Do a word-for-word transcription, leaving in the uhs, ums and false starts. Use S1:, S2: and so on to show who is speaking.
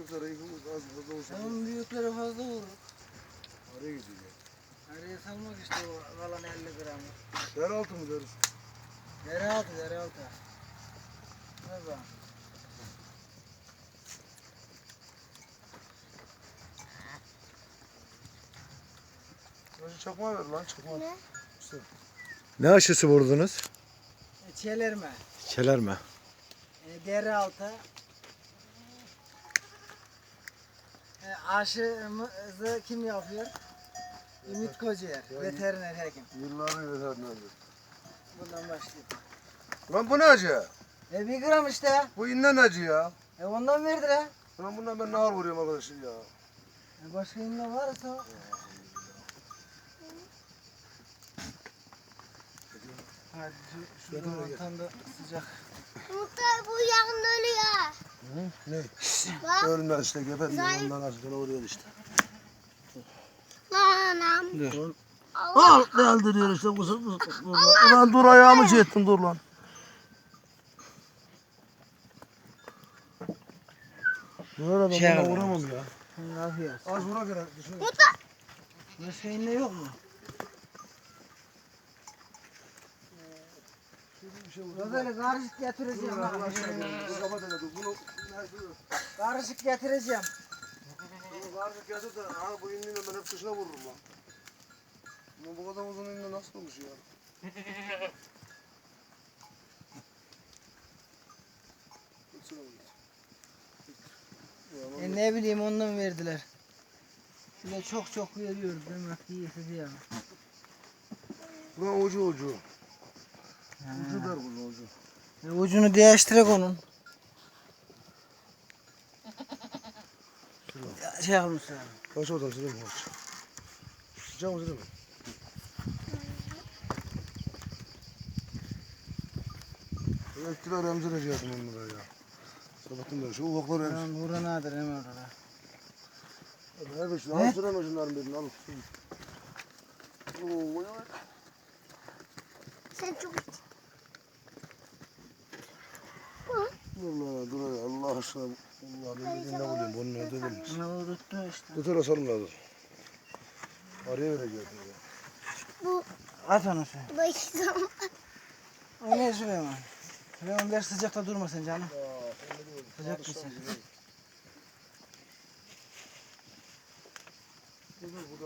S1: büyükleri az fazla olsun.
S2: Onun büyükleri fazla vurur.
S1: Araya gidiyor.
S2: Araya salmak işte o kalan elli gramı.
S1: Yeraltı mı deriz?
S2: Dere altı, dere altı. Ne zaman?
S1: Önce çakma ver lan çakma.
S3: Ne?
S1: İşte.
S4: Ne aşısı vurdunuz?
S2: E, çelerme.
S4: Çelerme.
S2: E, dere altı. E, aşımızı kim yapıyor? Ümit Kocaer, veteriner hekim.
S1: Yılların veterinerdi.
S2: Bundan başlayayım.
S1: Lan bu ne acı?
S2: E bir gram işte.
S1: Bu inden acı ya.
S2: E ondan verdiler.
S1: Lan bundan ben nahar vuruyorum arkadaşım ya.
S2: E başka inme varsa. Hadi şu,
S1: Getir
S2: şurada
S1: de gel.
S2: tam da sıcak.
S3: Muhtar bu yakın ölüyor.
S1: Hı? Ne?
S3: Bak.
S1: Ölmez işte geber
S3: Zalim.
S1: ondan acıdan vuruyor işte.
S3: Anam.
S1: Dur.
S3: Allah.
S1: Al deldiriyor işte bu sefer. Ulan dur ayağımı şey ettin dur lan. Böyle
S2: Şey
S1: ben buna
S2: abi.
S1: vuramam ya.
S2: Ne yapıyorsun?
S1: Az vura göre.
S3: Muhtar.
S2: Başka inme yok mu?
S1: Bir şey
S2: Ya böyle karışık getireceğim.
S1: Dur
S2: bak.
S1: lan aşağı dur. Kapat hele dur. Bunu
S2: Karışık getireceğim.
S1: bunu karşı getir de ha bu indiğinde ben hep dışına vururum lan. Ama bu kadar uzun indi nasıl olmuş ya? Gitsene oğlum. Ya,
S2: E ne bileyim ondan verdiler. Şöyle çok çok veriyoruz demek ki iyisi diye.
S1: Lan ucu ucu. Ucu der bunu ucu.
S2: E, ucunu değiştirek onun. Ya, şey yapmışlar.
S1: Kaç oradan sileyim mi kaç? Sıcak mı sileyim mi? Elektriği emzireceğim ben buraya ya. Sabahtan beri şu ufakları emzir.
S2: Lan vura nadir hemen orada.
S1: Her bir şey.
S2: Ne?
S1: Al süreme şunların birini al. Oo, oy, oy.
S3: Sen çok
S1: Dur lan dur ya Allah aşkına. Allah ben bir ne bulayım bunu ne dedim.
S2: Ne unuttu işte.
S1: Tut öyle sarım lazım. Araya vereceğim ya.
S3: bu
S2: At onu sen.
S3: başım.
S2: O ne Süleyman? Süleyman ver sıcakta durma sen canım. Sıcak mısın?